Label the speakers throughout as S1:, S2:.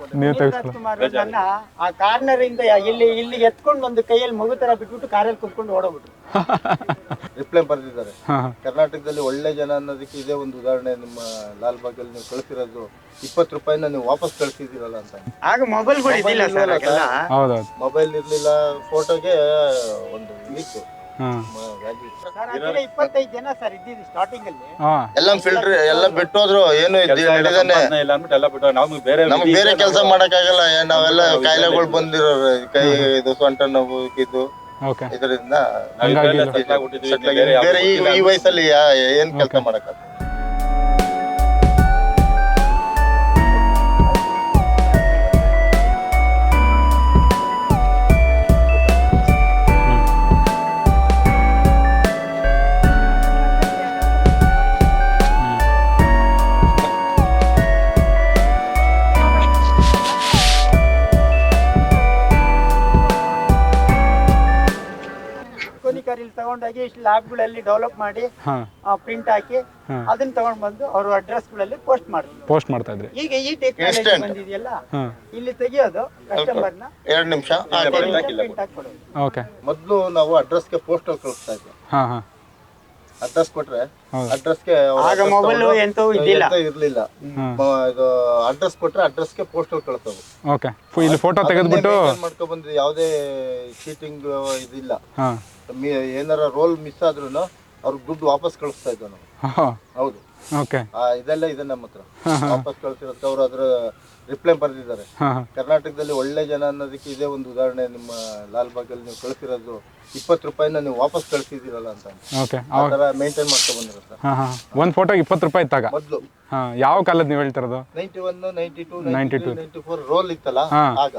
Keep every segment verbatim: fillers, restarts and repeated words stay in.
S1: ನೀವು
S2: ಪುನೀತ್ ರಾಜ್ಕುಮಾರ್ ನನ್ನ ಆ ಕಾರ್ನರ್ ಇಂದ ಇಲ್ಲಿ ಇಲ್ಲಿ ಎತ್ಕೊಂಡು ಒಂದು ಕೈಯಲ್ಲಿ ಮಗು ತರ ಬಿಟ್ಬಿಟ್ಟು ಕಾರಲ್ಲಿ ಕುತ್ಕೊಂಡು ಓಡೋಗ್ಬಿಟ್ರು.
S3: ರಿಪ್ಲೈ ಬರೆದಿದ್ದಾರೆ. ಕರ್ನಾಟಕದಲ್ಲಿ ಒಳ್ಳೆ ಜನ ಅನ್ನೋದಕ್ಕೆ ಇದೇ ಒಂದು ಉದಾಹರಣೆ. ನಿಮ್ಮ ಲಾಲ್ ಬಾಗಲ್ಲಿ ನೀವು ಕಳಿಸಿರೋದು ಇಪ್ಪತ್ತು ರೂಪಾಯಿನ ನೀವು ವಾಪಸ್ ಕಳಿಸಿದ್ದೀರಲ್ಲ ಅಂತ.
S2: ಆಗ ಮೊಬೈಲ್ಗಳು ಇದ್ದಿಲ್ಲ ಸರ್,
S3: ಮೊಬೈಲ್ ಇರ್ಲಿಲ್ಲ, ಫೋಟೋಗೆ ಒಂದು ಇತ್ತು.
S2: ಇಪ್ಪತ್ತೈದು ಜನ ಸರ್ ಇದ್ದಿದ್ದು ಸ್ಟಾರ್ಟಿಂಗ್ ಅಲ್ಲಿ.
S3: ಎಲ್ಲ ಫಿಲ್ಟರ್ ಎಲ್ಲ ಬಿಟ್ಟೋದ್ರು, ಏನು ನಮ್ಗೆ ಬೇರೆ ಕೆಲಸ ಮಾಡಕ್ ಆಗಲ್ಲ. ನಾವೆಲ್ಲ ಕಾಯಿಲೆಗಳು ಬಂದಿರೋ ಕೈ ಇದು ಸೊಂಟ ನೋವು ಇದು ಇದರಿಂದ ಬೇರೆ ಈ ವಯಸ್ಸಲ್ಲಿ ಏನ್ ಕೆಲಸ ಮಾಡಕ್ ಆಗಲ್ಲ.
S2: ತಗೊಂಡೋಗಿ ಲ್ಯಾಬ್ಗಳಲ್ಲಿ ಡೆವಲಪ್ ಮಾಡಿ ಪ್ರಿಂಟ್ ಹಾಕಿ ಅದನ್ನ ತಗೊಂಡ್ ಬಂದು ಅವ್ರ ಅಡ್ರೆಸ್ ಗಳಲ್ಲಿ ಪೋಸ್ಟ್ ಮಾಡ್ತಾರೆ
S1: ಪೋಸ್ಟ್ ಮಾಡ್ತಾ ಇದ್ರಿ.
S2: ಈಗ ಈ ಟೆಕ್ನಾಲಜಿ ಬಂದಿದೆಯಲ್ಲ, ಇಲ್ಲಿ ತೆಗಿಯೋದು ಕಸ್ಟಮರ್ ನ
S3: ಎರಡು ನಿಮಿಷ
S2: ಪ್ರಿಂಟ್ ಹಾಕಿ ಕೊಡೋದು.
S1: ಓಕೆ.
S3: ಮೊದಲು ನಾವು ಅಡ್ರೆಸ್ಗೆ ಪೋಸ್ಟ್ ಕಳಿಸ್ತಾ ಇದ್ವಿ.
S1: ಹಾ ಹಾ
S3: ಅಡ್ರೆಸ್ ಕೊಟ್ರೆ ಅಡ್ರೆಸ್ಗೆ
S2: ಆಗ ಮೊಬೈಲ್ ಎಂತೂ ಇದ್ದಿಲ್ಲ
S3: ಇರ್ಲಿಲ್ಲ. ಇದು ಅಡ್ರೆಸ್ ಕೊಟ್ರೆ ಅಡ್ರೆಸ್ಗೆ ಪೋಸ್ಟಲ್ ಕಳ್ಸೋದು.
S1: ಓಕೆ. ಇಲ್ಲಿ ಫೋಟೋ ತೆಗೆದ್ಬಿಟ್ಟು
S3: ಮಾಡ್ಕೊಂಡ್ ಬಂದ್ವಿ. ಯಾವುದೇ ಚೀಟಿಂಗ್ ಇದಿಲ್ಲ. ಏನಾರ ರೋಲ್ ಮಿಸ್ ಆದ್ರೂ ಅವ್ರಿಗೆ ದುಡ್ಡು ವಾಪಸ್ ಕಳಿಸ್ತಾ ಇದ್ವಿ ನಾವು. ಹೌದು.
S1: ಓಕೆ.
S3: ಇದೆಲ್ಲ ಇದೆ ನಮ್ಮ ಹತ್ರ. ವಾಪಸ್ ಕಳ್ಸಿರೋದು ಅವ್ರು ಅದ್ರ ರಿಪ್ಲೈ ಬರೆದಿದ್ದಾರೆ. ಕರ್ನಾಟಕದಲ್ಲಿ ಒಳ್ಳೆ ಜನ ಅನ್ನೋದಕ್ಕೆ ಇದೇ ಒಂದು ಉದಾಹರಣೆ. ನಿಮ್ಮ ಲಾಲ್ ಬಾಗಲ್ಲಿ ನೀವು ಕಳಿಸಿರೋದು ಇಪ್ಪತ್ತು ರೂಪಾಯಿನ ನೀವು ವಾಪಸ್ ಕಳಿಸಿದ್ದೀರಲ್ಲ ಅಂತ.
S1: ಓಕೆ.
S3: ಆ ಥರ ಮೇಂಟೈನ್ ಮಾಡ್ಕೊಂಡು ಬಂದಿರುತ್ತೆ.
S1: ಒಂದು ಫೋಟೋಗೆ ಇಪ್ಪತ್ತು ರೂಪಾಯಿ ಇತ್ತಾಗ
S3: ಮೊದಲು.
S1: ಯಾವ ಕಾಲದ ನೀವು ಹೇಳ್ತಿರೋದು?
S3: Ninety one ninety two ninety two ninety four roll ಇತ್ತಲ್ಲ ಆಗ.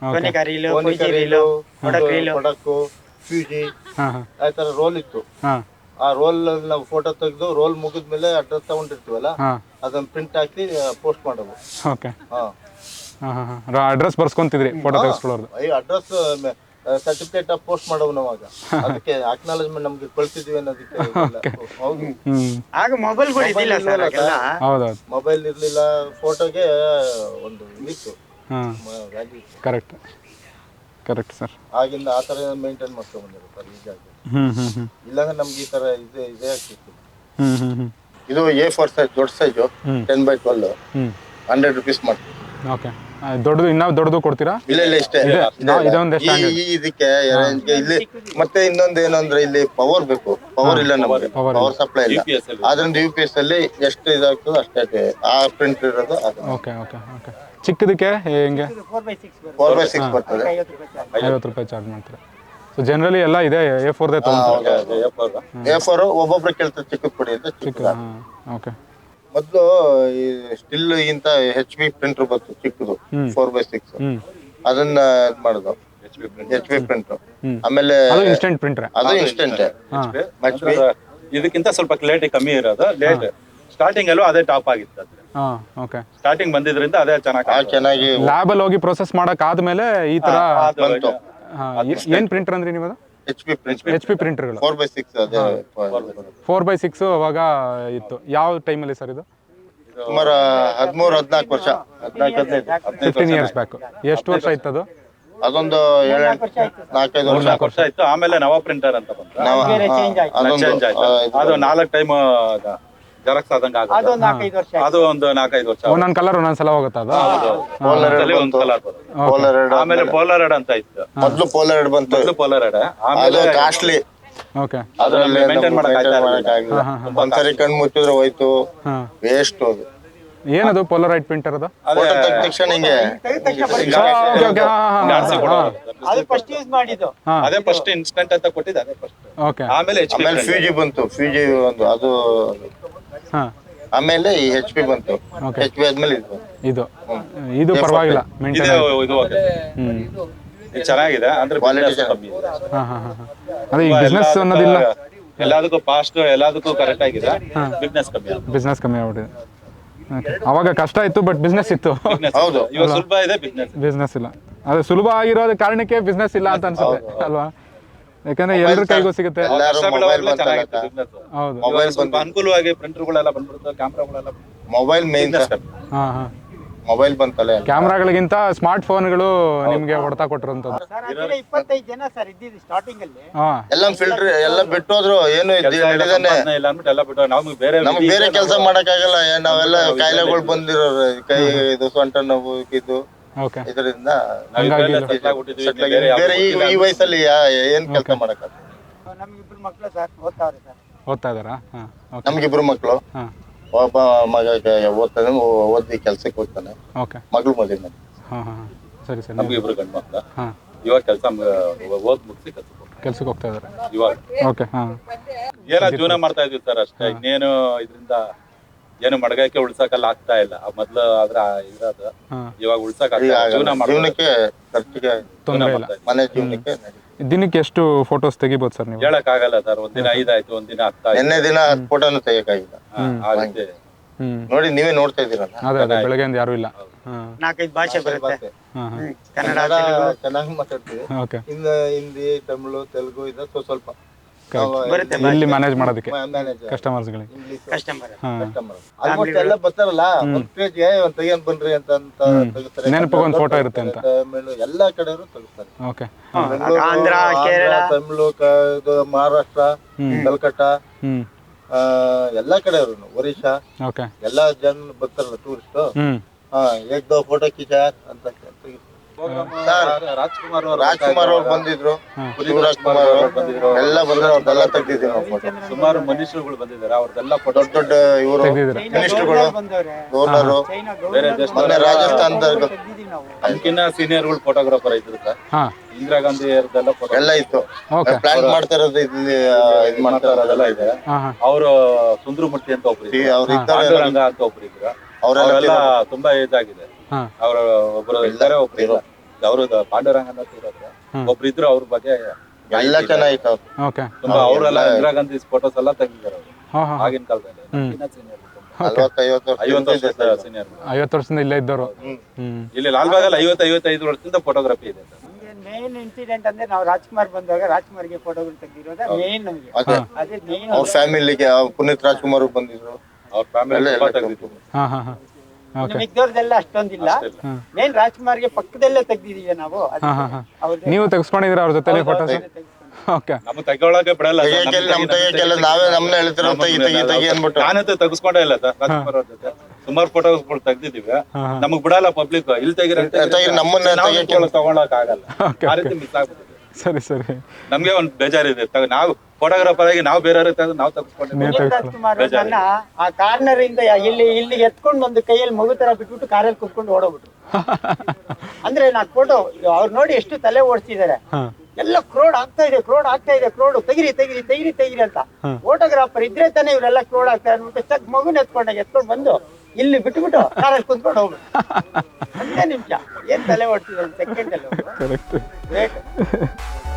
S3: ಕೊಡಕ್ಕು ಫ್ಯೂಜಿ ಆ ಥರ ರೋಲ್ ಇತ್ತು. ಆ ರೋಲ್ ನಾವು ಫೋಟೋ ತೆಗೆದು ರೋಲ್ ಮುಗಿದ್ಮೇಲೆ ಅಡ್ರೆಸ್ ತಗೊಂಡಿರ್ತೀವಲ್ಲ ಅದನ್ನ ಪ್ರಿಂಟ್ ಹಾಕಿ ಪೋಸ್ಟ್ ಮಾಡೋದು.
S1: ಓಕೆ. ಅಡ್ರೆಸ್ ಬರ್ಸ್ಕೊಂತಿದ್ರಿ ಫೋಟೋ ತೆಗೆಸ್ಕೊಳ್ಳೋದು.
S3: ಅಡ್ರೆಸ್ ಸರ್ಟಿಫಿಕೇಟ್ ಪೋಸ್ಟ್ ಮಾಡೋದು ನಾವಾಗ. ಅದಕ್ಕೆ ಅಕ್ನಾಲೇಜ್ಮೆಂಟ್ ನಮ್ಗೆ ಕಳ್ಸಿದ್ವಿ ಅನ್ನೋದಕ್ಕೆ. ಹೌದು.
S2: ಆಗ ಮೊಬೈಲ್ಗಳು ಇದ್ದಿಲ್ಲ ಸರ್.
S1: ಹೌದೌದು.
S3: ಮೊಬೈಲ್ ಇರ್ಲಿಲ್ಲ, ಫೋಟೋಗೆ ಒಂದು ಇತ್ತು.
S1: Correct correct sir.
S3: ಆಗಿಂದ ಆ ಥರ ಮೇಂಟೈನ್ ಮಾಡ್ಕೊಂಡು ಬಂದಿರುತ್ತೆ ಈಗಾಗಿ. ಇಲ್ಲಾಂದ್ರೆ ನಮ್ಗೆ ಈ ತರ ಇದೆ ಇದೇ ಆಗ್ತಿತ್ತು. ಇದು ಎ ಫೋರ್ ಸೈಜ್ ದೊಡ್ಡ size ten by twelve hundred rupees ಮಾಡ್ತೀವಿ.
S1: ಓಕೆ. ದೊಡ್ಡದು ಇನ್ನೂ ದೊಡ್ಡದು ಕೊಡ್ತೀರಾ?
S3: ಇಲ್ಲ ಇಲ್ಲ ಇಷ್ಟೇ. ಇದಕ್ಕೆ ಇಲ್ಲಿ ಮತ್ತೆ ಇನ್ನೊಂದು ಏನು ಅಂದ್ರೆ ಇಲ್ಲಿ ಪವರ್ ಬೇಕು. ಪವರ್ ಇಲ್ಲ ನಮಗೆ, ಪವರ್ ಸಪ್ಲೈ ಇಲ್ಲ. ಆದ್ರಿಂದ ಯು ಪಿ ಎಸ್ ಅಲ್ಲಿ ಎಷ್ಟು ಇದಾಗ್ತದೆ ಅಷ್ಟೇ ಆ ಪ್ರಿಂಟ್ ಇರೋದು.
S1: Okay okay okay. ಚಿಕ್ಕದಕ್ಕೆ ಹೆಂಗೆ?
S3: ಫೋರ್ ಬೈ ಸಿಕ್ಸ್ ಬರ್ತದೆ,
S1: ಐವತ್ತು ರೂಪಾಯಿ ಚಾರ್ಜ್ ಮಾಡ್ತಾರೆ. ಸೊ ಜನರಲಿ ಎಲ್ಲ ಇದೆ ಎ ಫೋರ್ದೇ ತಗೊಂತಾರೆ.
S3: ಎ ಫೋರ್ ಒಬ್ಬೊಬ್ರು ಕೇಳ್ತಾರೆ ಚಿಕ್ಕದ್ ಕೊಡಿ ಅಂತ. ಚಿಕ್ಕ
S1: ಓಕೆ.
S3: ಮೊದಲು ಈ ಸ್ಟಿಲ್ ಗಿಂತ ಹೆಚ್ ಬಿ ಪ್ರಿಂಟರ್ ಬಂತು ಚಿಕ್ಕದು ಫೋರ್ ಬೈ ಸಿಕ್ಸ್. ಅದನ್ನ ಇದ್ ಮಾಡುದು ಎಚ್ ಬಿ ಪ್ರಿಂಟರ್. ಆಮೇಲೆ
S1: ಇನ್ಸ್ಟೆಂಟ್ ಪ್ರಿಂಟರ್.
S3: ಅದು ಇನ್ಸ್ಟೆಂಟ್.
S4: ಇದಕ್ಕಿಂತ ಸ್ವಲ್ಪ ಲೇಟ್ ಕಮ್ಮಿ ಇರೋದು. ಲೇಟ್ ಸ್ಟಾರ್ಟಿಂಗ್ ಅಲ್ಲೂ ಅದೇ ಟಾಪ್ ಆಗಿತ್ತು. ಸ್ಟಾರ್ಟಿಂಗ್ ಬಂದಿದ್ರಿಂದ ಅದೇ ಚೆನ್ನಾಗಿ
S3: ಚೆನ್ನಾಗಿ
S1: ಲ್ಯಾಬ್ ಅಲ್ಲಿ ಹೋಗಿ ಪ್ರೊಸೆಸ್ ಮಾಡಕ್ ಆದ್ಮೇಲೆ ಈ ತರ
S3: ಬಂತು.
S1: ಏನ್ ಪ್ರಿಂಟರ್ ಅಂದ್ರೆ ನೀವು?
S3: ಎಚ್ ಪಿ
S1: ಎಚ್ ಪಿ ಪ್ರಿಂಟರ್ಗಳು
S3: ಫೋರ್ ಬೈ ಸಿಕ್ಸ್. ಅದೇ
S1: ಫೋರ್ ಬೈ ಸಿಕ್ಸ್ ಅವಾಗ ಇತ್ತು. ಯಾವ ಟೈಮಲ್ಲಿ ಸರ್ ಇದು?
S3: ಸುಮಾರು ಹದಿಮೂರು ಹದಿನಾಲ್ಕು ವರ್ಷ, ಹದಿನಾಲ್ಕು ಹದಿನೈದು
S1: ಫಿಫ್ಟೀನ್ ಇಯರ್ಸ್ ಬ್ಯಾಕ್. ಎಷ್ಟು ವರ್ಷ ಆಯ್ತು ಅದು?
S3: ಅದೊಂದು ನಾಲ್ಕೈದು ವರ್ಷ
S4: ವರ್ಷ ಆಯ್ತು. ಆಮೇಲೆ ನವ ಪ್ರಿಂಟರ್ ಅಂತ ಬಂತು. ಅದು ನಾಲ್ಕು ಟೈಮ್ ಜೆರಾಕ್ಸ್ ಆದಂಗ ಅದು ಒಂದು ನಾಲ್ಕೈದು ವರ್ಷ.
S1: ಒಂದೊಂದ್ ಕಲರ್ ಒಂದೊಂದ್ಸಲ ಹೋಗುತ್ತೆ ಅದು.
S4: ಒಂದ್ ಕಲರ್. ಆಮೇಲೆ ಪೋಲಾರೈಡ್ ಅಂತ ಇತ್ತು.
S3: ಮೊದಲು ಪೋಲಾರೈಡ್ ಬಂತು.
S4: ಮೊದಲು ಪೋಲಾರೈಡ್. ಆಮೇಲೆ
S3: ಕಾಸ್ಟ್ಲಿ.
S1: ಓಕೆ.
S3: ಅದ್ರಲ್ಲಿ ಮೇಂಟೈನ್ ಮಾಡಕ್ಕಾಗಿಲ್ಲ. ಒಂದ್ಸರಿ ಕಣ್ ಮುಚ್ಚಿದ್ರೆ ಹೋಯ್ತು, ವೇಸ್ಟ್. ಅದು
S1: ಏನದು ಪೋಲಾರೈಡ್ ಪ್ರಿಂಟರ್? ಅದು
S3: ಫೋಟೋ ತೆಗೆದ ತಕ್ಷಣ ಹಿಂಗೆ
S4: ಅದೇ ಫಸ್ಟ್ ಇನ್ಸ್ಟೆಂಟ್ ಅಂತ ಕೊಟ್ಟಿದ್ದು ಅದೇ ಫಸ್ಟ್.
S1: ಓಕೆ.
S4: ಆಮೇಲೆ
S3: ಆಮೇಲೆ ಫ್ಯೂಜಿ ಬಂತು. ಫ್ಯೂಜಿ ಒಂದು ಅದು. ಆಮೇಲೆ ಈ ಹೆಚ್ ಪಿ ಬಂತು. ಹೆಚ್ ಪಿ ಆದ್ಮೇಲೆ ಇದು
S1: ಇದು ಇದು ಪರವಾಗಿಲ್ಲ ಮೇಂಟೈನ್.
S4: ಇದು ಚೆನ್ನಾಗಿದೆ ಅಂದ್ರೆ
S3: ಕ್ವಾಲಿಟಿ
S1: ಅದೇ ಈ ಬಿಸ್ನೆಸ್ ಅನ್ನೋದಿಲ್ಲ.
S4: ಎಲ್ಲದಕ್ಕೂ ಫಾಸ್ಟ್, ಎಲ್ಲದಕ್ಕೂ ಕರೆಕ್ಟ್ ಆಗಿದೆ. ಬಿಸ್ನೆಸ್ ಕಮ್ಮಿ
S1: ಬಿಸ್ನೆಸ್ ಕಮ್ಮಿ ಆಗ್ಬಿಟ್ಟಿದೆ. ಅವಾಗ ಕಷ್ಟ ಇತ್ತು, ಬಟ್ ಬಿಸ್ನೆಸ್ ಇತ್ತು.
S3: ಹೌದು.
S4: ಇವಾಗ ಸುಲಭ ಇದೆ ಬಿಸ್ನೆಸ್.
S1: ಬಿಸ್ನೆಸ್ ಇಲ್ಲ. ಅದು ಸುಲಭ ಆಗಿರೋದ ಕಾರಣಕ್ಕೆ ಬಿಸ್ನೆಸ್ ಇಲ್ಲ ಅಂತ ಅನ್ಸುತ್ತೆ ಅಲ್ವಾ? ಯಾಕಂದ್ರೆ ಎಲ್ಲರ ಕೈಗೂ ಸಿಗುತ್ತೆ.
S4: ಹೌದು. ಅನುಕೂಲವಾಗಿ ಪ್ರಿಂಟರ್ಗಳೆಲ್ಲ ಬಂದ್ಬಿಡುತ್ತೆ, ಕ್ಯಾಮ್ರಾಗಳೆಲ್ಲ.
S3: Mobile main.
S1: ಹಾ ಹಾ
S3: ಮೊಬೈಲ್ ಬಂತಲ್ಲ
S1: ಕ್ಯಾಮ್ರಾಗಳಿಗಿಂತ ಸ್ಮಾರ್ಟ್ ಫೋನ್ಗಳು ನಿಮ್ಗೆ ಹೊಡೆತ ಕೊಟ್ಟಿರುವಂತದ್ದು.
S2: ಸರ್ ಆಕ್ಚುಲಿ ಇಪ್ಪತ್ತೈದು ಜನ ಸರ್ ಇದ್ದಿದ್ದು ಸ್ಟಾರ್ಟಿಂಗ್ ಅಲ್ಲಿ.
S1: ಹಾ
S3: ಎಲ್ಲ ಫಿಲ್ಟರ್ ಎಲ್ಲ ಬಿಟ್ಟೋದ್ರು ಏನು ನಡೀತಾನೆ
S4: ಇಲ್ಲ ಅಂದ್ಬಿಟ್ಟು ಎಲ್ಲ ಬಿಟ್ಟು ನಮ್ಗೆ ಬೇರೆ
S3: ನಮ್ಗೆ ಬೇರೆ ಕೆಲಸ ಮಾಡಕ್ಕಾಗಲ್ಲ ನಾವೆಲ್ಲ ಕಾಯಿಲೆಗಳು ಬಂದಿರೋರು ಕೈ ಇದು ಸೊಂಟ ನೋವು ಇದು
S1: ಓಕೆ
S3: ಇದರಿಂದ
S4: ಆಗ್ಬಿಟ್ಟಿದ್ವಿ
S3: ಬೇರೆ ಈ ಈ ವಯಸ್ಸಲ್ಲಿ ಯಾ- ಏನ್ ಕೆಲಸ ಮಾಡಕ್ಕಾಗಲ್ಲ.
S2: ನಮ್ಗಿಬ್ರು ಮಕ್ಳು ಸರ್ ಓದ್ತಾವ್ರೆ ಸರ್.
S1: ಓದ್ತಾ ಇದ್ದಾರಾ? ಹಾ ಓಕೆ
S3: ನಮ್ಗಿಬ್ರು ಮಕ್ಳು,
S1: ಹಾ
S3: ಒಬ್ಬ ಮಗ ಓದ್ತಾನೆ, ಓದಿ ಕೆಲ್ಸಕ್ಕೆ ಹೋಗ್ತಾನೆ,
S1: ಓಕೆ
S3: ಮಗಳು ಮದುವೆ ಮಾಡಿ.
S1: ಹಾ ಹಾ ಸರಿ ಸರಿ.
S4: ನಮ್ಗೆ ಇಬ್ರು ಗಂಡು ಮಕ್ಳ.
S1: ಹಾ
S4: ಇವಾಗ ಕೆಲಸ ಓದ್ ಮುಗಿಸಿ ಕೆಲಸ
S1: ಕೆಲ್ಸಕ್ಕೆ ಹೋಗ್ತಾ ಇದ್ದಾರೆ
S4: ಇವಾಗ
S1: ಓಕೆ. ಹಾ
S4: ಏನೋ ಜೀವನ ಮಾಡ್ತಾ ಇದೀವಿ ಸರ್ ಅಷ್ಟೇ. ಇನ್ನೇನು ಇದರಿಂದ ಏನು ಮಡಗಕ್ಕೆ ಉಳ್ಸಕ್ಕಲ್ಲ ಆಗ್ತಾ ಇಲ್ಲ. ಮೊದ್ಲು ಆದ್ರ ಇರೋದು ಇವಾಗ ಉಳ್ಸಕ್ ಆಗ್ತಾ ಇಲ್ಲ. ಜೀವನ ಮಾಡ್ತಾ
S3: ಜೀವನಕ್ಕೆ ಖರ್ಚಿಗೆ
S1: ತೊಂದರೆ ಇಲ್ಲ.
S3: ಮನೆ ಜೀವನಕ್ಕೆ
S1: ದಿನಕ್ಕೆ ಎಷ್ಟು ಫೋಟೋಸ್ ತೆಗಿಬೋದು ಸರ್ ನೀವು?
S4: ಹೇಳಕ್ ಆಗಲ್ಲ ಸರ್. ಒಂದಿನ ಐದಾಯ್ತು, ಒಂದಿನ ಹತ್ತಾಯ್ತು.
S3: ನಿನ್ನೆ ದಿನ ಹತ್ತು ಫೋಟೋನು ತೆಗಿಯಕ್ಕಾಗಿಲ್ಲ.
S4: ಆಗುತ್ತೆ
S1: ಹ್ಮ್
S3: ನೋಡಿ ನೀವೇ ನೋಡ್ತಾ ಇದೀರಲ್ಲ.
S1: ಅದೇ ಅದೇ ಬೆಳಗ್ಗೆಯಿಂದ ಯಾರು ಇಲ್ಲ. ಹಾ
S2: ನಾಲ್ಕೈದು ಭಾಷೆ ಬರುತ್ತೆ.
S1: ಹಾ ಹಾ
S2: ಕನ್ನಡ,
S3: ಚೆನ್ನಾಗಿ ಮಾತಾಡ್ತೀವಿ.
S1: ಓಕೆ.
S3: ಇನ್ನು ಹಿಂದಿ, ತಮಿಳು, ತೆಲುಗು ಇದೆ ಸ್ವಲ್ಪ
S2: ಬರುತ್ತೆ.
S1: ಇಲ್ಲಿ ಮ್ಯಾನೇಜ್ ಮಾಡೋದಕ್ಕೆ
S3: ಮ್ಯಾನೇಜ್
S1: ಕಸ್ಟಮರ್ಸ್ಗಳಿಗೆ.
S3: ಇಂಗ್ಲಿಷ್
S2: ಕಸ್ಟಮರ್
S1: ಹಾ
S3: ಆಲ್ಮೋಸ್ಟ್ ಎಲ್ಲ ಬರ್ತಾರಲ್ಲ, ಒಂದ್ ಪೇಜ್ಗೆ ಒಂದ್ ತೆಗಿಯನ್ ಬನ್ರಿ ಅಂತ ಅಂತ ತೆಗಿತಾರೆ.
S1: ನೆನಪಿಗೆ ಒಂದು ಫೋಟೋ ಇರುತ್ತೆ ಅಂತ.
S3: ತಮಿಳು ಎಲ್ಲಾ ಕಡೆಯವರು ತೆಗಿಸ್ತಾರೆ.
S1: ಓಕೆ.
S2: ಆಂಧ್ರ, ಕೇರಳ,
S3: ತಮಿಳು, ಕ- ಇದು ಮಹಾರಾಷ್ಟ್ರ, ಕಲ್ಕಟ್ಟ,
S1: ಹ್ಮ್
S3: ಎಲ್ಲಾ ಕಡೆಯವರು, ಒರಿಸ್ಸಾ
S1: ಓಕೆ.
S3: ಎಲ್ಲಾ ಜನ ಬರ್ತಾರಲ್ಲ ಟೂರಿಸ್ಟ್.
S1: ಹ್ಮ್
S3: ಹಾ ಏಕ್ ದೋ ಫೋಟೋ ಕಿಚ ಅಂತ ತೆಗಿತಾರೆ.
S4: ರಾಜ್ಕುಮಾರ್
S3: ರಾಜ್ಕುಮಾರ್ ಅವ್ರು ಬಂದಿದ್ರು, ಶಿವರಾಜ್ ಕುಮಾರ್ ಅವರು ಬಂದಿದ್ರು, ಎಲ್ಲ ಬಂದ್ರೆ ಅವ್ರದ್ದೆಲ್ಲ ತೆಗ್ದಿದ್ದೀವಿ ನಾವು ಫೋಟೋ.
S4: ಸುಮಾರು ಮನುಷ್ಯರುಗಳು ಬಂದಿದ್ದಾರೆ. ಅವ್ರದ್ದೆಲ್ಲ ಫೋಟೋ
S3: ದೊಡ್ಡ ದೊಡ್ಡ ಇವರು
S1: ತೆಗ್ದಿದ್ದೀರಾ?
S3: ಮಿನಿಸ್ಟರ್ಗಳು,
S2: ಬಂದವ್ರೆ.
S3: ಗವರ್ನರು,
S2: ಚೈನಾ
S4: ಬೇರೆ
S2: ಗೌರ್ಮೆಂಟ್
S4: ದೇಶ
S3: ಮೊನ್ನೆ ರಾಜಸ್ಥಾನದ
S2: ತೆಗ್ದಿದೀವಿ ನಾವು.
S4: ಅದಕ್ಕಿನ್ನ ಸೀನಿಯರ್ಗಳು ಫೋಟೋಗ್ರಾಫರ್ ಇದ್ರು ಸರ್.
S1: ಹಾ
S4: ಇಂದಿರಾ ಗಾಂಧಿ ಅವ್ರದ್ದೆಲ್ಲ ಫೋಟೋ
S3: ಎಲ್ಲ ಇತ್ತು.
S1: ಓಕೆ.
S3: ಪ್ಲಾನ್ ಮಾಡ್ತಾ ಇರೋದು ಇಲ್ಲಿ ಇದು ಮಾಡ್ತಾ
S4: ಅದೆಲ್ಲ ಇದೆ.
S1: ಹಾ ಹಾ
S4: ಅವರು ಸುಂದರಮೂರ್ತಿ ಅಂತ ಒಬ್ರು ಇದ್ರು,
S3: ಅವ್ರು ಇದ್ದಾರೆ.
S4: ಪಾಂಡುರಂಗ ಅಂತ ಒಬ್ರು ಇದ್ರು.
S3: ಅವರೆಲ್ಲ
S4: ಅವರೆಲ್ಲ ತುಂಬಾ ಏಜ್ ಆಗಿದೆ.
S1: ಹಾ
S4: ಅವ್ರ ಒಬ್ರು ಇದ್ದಾರೆ, ಒಬ್ರು ಇಲ್ಲ. ಅವರು ಪಾಂಡುರಂಗ ಅಂತ ಇರೋದು ಒಬ್ರು ಇದ್ರು. ಅವ್ರ ಬಗ್ಗೆ
S3: ಎಲ್ಲ ಚೆನ್ನಾಗಿತ್ತು ಅವ್ರು.
S1: ಓಕೆ.
S4: ತುಂಬಾ ಅವರೆಲ್ಲ ಇಂದಿರಾ ಗಾಂಧಿ ಫೋಟೋಸ್ ಎಲ್ಲ ತೆಗಿದ್ದಾರೆ ಅವರು
S1: ಹಾ ಹಾ
S4: ಆಗಿನ ಕಾಲದಲ್ಲಿ. ಸೀನಿಯರ್
S3: ನಲ್ವತ್ತು ಐವತ್ತು ವರ್ಷ
S4: ಐವತ್ತು ವರ್ಷ ಸೀನಿಯರ್.
S1: ಐವತ್ತು ವರ್ಷದಿಂದ ಇಲ್ಲೇ ಇದ್ದವರು. ಹ್ಮ್
S4: ಇಲ್ಲಿ ಲಾಲ್ಬಾಗಲ್ಲಿ ಐವತ್ತು ಐವತ್ತೈದು ವರ್ಷದಿಂದ ಫೋಟೋಗ್ರಫಿ ಇದೆ ಸರ್.
S2: ಮೇನ್ ಇನ್ಸಿಡೆಂಟ್ ಅಂದ್ರೆ ನಾವು ರಾಜ್ಕುಮಾರ್ ಬಂದಾಗ ರಾಜ್ಕುಮಾರ್ಗೆ ಫೋಟೋಗಳು ತೆಗ್ದಿರೋದ ಮೇನ್ ನಮಗೆ.
S3: ಅದೇ
S2: ಅದೇ ಮೇನ್.
S3: ಅವ್ರ ಫ್ಯಾಮಿಲಿಗೆ ಪುನೀತ್ ರಾಜ್ಕುಮಾರ್ ಬಂದಿದ್ರು.
S4: ಅವ್ರ ಫ್ಯಾಮಿಲಿ ತುಂಬಾ ತೆಗ್ದಿದ್ರು.
S1: ಹಾ ಹಾ ಹಾ ಓಕೆ.
S2: ಮಿಕ್ದವ್ರದೆಲ್ಲ ಅಷ್ಟೊಂದಿಲ್ಲ. ಮೇನ್ ರಾಜ್ಕುಮಾರ್ಗೆ ಪಕ್ಕದಲ್ಲೇ ತೆಗ್ದಿದೀವಿ ನಾವು.
S1: ಹಾ ಹಾ ಹಾ ನೀವು ತೆಗೆಸ್ಕೊಂಡಿದ್ದೀರಾ ಅವ್ರ ಜೊತೆ ಫೋಟೋಸ್? ಓಕೆ.
S4: ನಮ್ಗೆ ತೆಗೊಳಕ್ಕೆ ಬಿಡಲ್ಲ ಸರ್.
S3: ತೆಗಿಯಕ್ಕೆಲ್ಲ ನಮ್ ತೆಗಿಯಕ್ಕೆಲ್ಲ ನಾವೇ ನಮ್ಮನ್ನ ಹೇಳ್ತಿರೋ ತೆಗಿ ತೆಗಿ ತೆಗಿ ಅನ್ಬಿಟ್ಟು.
S4: ನಾನಂತೂ ತೆಗಿಸ್ಕೊಂಡೇ ಇಲ್ಲ ಸರ್. ರಾಜ್ಕುಮಾರ್ ಅವ್ರ ಜೊತೆ ಸುಮಾರು ಫೋಟೋಗಳು ತೆಗ್ದಿದೀವಿ. ನಮಗ್ ಬಿಡಲ್ಲ ಪಬ್ಲಿಕ್. ಇಲ್ಲಿ ತೆಗಿರ
S3: ತೆಗಿ ನಮ್ಮನ್ನ ತೆಗಿಯಕ್ಕೆ
S4: ತಗೊಳಕ್ ಆಗಲ್ಲ. ಆ ರೀತಿ ಮಿಸ್ ಆಗ್ಬಿಟ್ಟಿದೆ.
S1: ಸರಿ ಸರಿ.
S4: ನಮ್ಗೆ ಒಂದ್ ಬೇಜಾರಿದೆ. ತಗ- ನಾವು ಫೋಟೋಗ್ರಾಫರ್ ಆಗಿ ನಾವು ಬೇರೆಯವ್ರಿಗೆ ತೆಗೆದು ನಾವು ತೆಗೆಸ್ಕೊಂಡಿದ್ದೀವಿ.
S2: ಪುನೀತ್ ರಾಜ್ಕುಮಾರ್ ನನ್ನ ಆ ಕಾರ್ನರ್ ಇಂದ ಇಲ್ಲಿ ಇಲ್ಲಿ ಎತ್ಕೊಂಡು ಒಂದು ಕೈಯಲ್ಲಿ ಮಗು ತರ ಬಿಟ್ಬಿಟ್ಟು ಕಾರಲ್ಲಿ ಕುತ್ಕೊಂಡು ಓಡೋಗ್ಬಿಟ್ರು. ಅಂದ್ರೆ ನಾ ಫೋಟೋ ಅವ್ರು ನೋಡಿ ಎಷ್ಟು ತಲೆ ಓಡಿಸಿದ್ದಾರೆ. ಎಲ್ಲ ಕ್ರೋಡ್ ಆಗ್ತಾ ಇದೆ, ಕ್ರೋಡ್ ಆಗ್ತಾ ಇದೆ, ಕ್ರೋಡ್ ತೆಗಿರಿ ತೆಗಿರಿ ತೆಗಿರಿ ತೆಗಿರಿ ಅಂತ. ಫೋಟೋಗ್ರಾಫರ್ ಇದ್ರೆ ತಾನೇ ಇವರೆಲ್ಲ ಕ್ರೋಡ್ ಆಗ್ತಾರೆ ಅನ್ಬಿಟ್ಟು ಚಕ್ ಮಗುನ ಎತ್ಕೊಂಡಾಗ ಎತ್ಕೊಂಡು ಬಂದು ಇಲ್ಲಿ ಬಿಟ್ಬಿಟ್ಟು ಕಾರಲ್ಲಿ ಕುತ್ಕೊಂಡು ಹೋಗ್ಬಿಟ್ಟು ಹದಿನೈದು ನಿಮಿಷ ಏನ್ ತಲೆ ಓಡಿಸಿದ್ರು ಸೆಕೆಂಡ್ ಅಲ್ಲಿ.
S1: ಕರೆಕ್ಟ್.